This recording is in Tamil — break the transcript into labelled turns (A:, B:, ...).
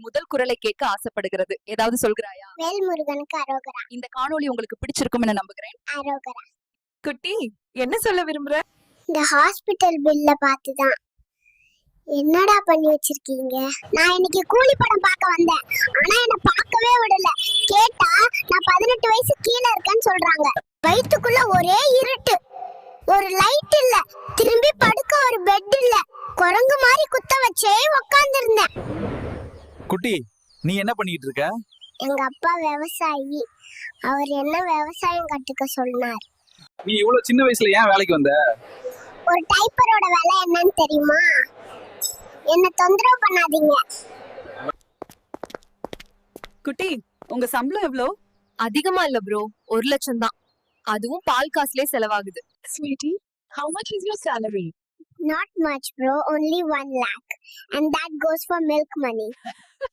A: முதல் குரலை கேட்க ஆசைப்படுகிறது. ஏதாவது சொல்கிறாயா?
B: வேல்முருகனுக்கு அரோகரா.
A: இந்த காணொளி உங்களுக்கு பிடிச்சிருக்கும் என நம்புகிறேன்.
B: அரோகரா.
A: குட்டி, என்ன சொல்ல விரும்புற?
B: இந்த ஹாஸ்பிட்டல் பில்ல பார்த்துதான் என்னடா பண்ணி வச்சிருக்கீங்க. நான் இன்னைக்கு கூலி படம் பார்க்க வந்தேன். ஆனா என்ன பார்க்கவே விடல. கேட்டா நான் 18 வயசு கீழே இருக்கேன்னு சொல்றாங்க. வயித்துக்குள்ள ஒரே இருட்டு, ஒரு லைட் இல்ல, திரும்பி படுக்க ஒரு பெட் இல்ல. குரங்கு மாதிரி குத்த வச்சே உட்கார்ந்திருந்தேன்.
C: குட்டி, நீ என்ன பண்ணிட்டு இருக்க?
B: எங்க அப்பா விவசாயி. அவர் என்ன விவசாயம் கத்துக்க சொன்னார்.
C: நீ இவ்வளவு சின்ன வயசுல ஏன் வேலைக்கு வந்த?
B: ஒரு டைப்பரோட வேலை என்னன்னு தெரியுமா? என்ன தொந்தரவு பண்ணாதீங்க.
A: குட்டி, உங்க சம்பளம் எவ்வளோ? அதிகமா இல்ல ப்ரோ, 1 லட்சம் தான். அதுவும் பால் காசுலே செலவாகுது.
D: Sweetie, how much is your salary?
B: Not much bro, only 1 lakh and that goes for milk money.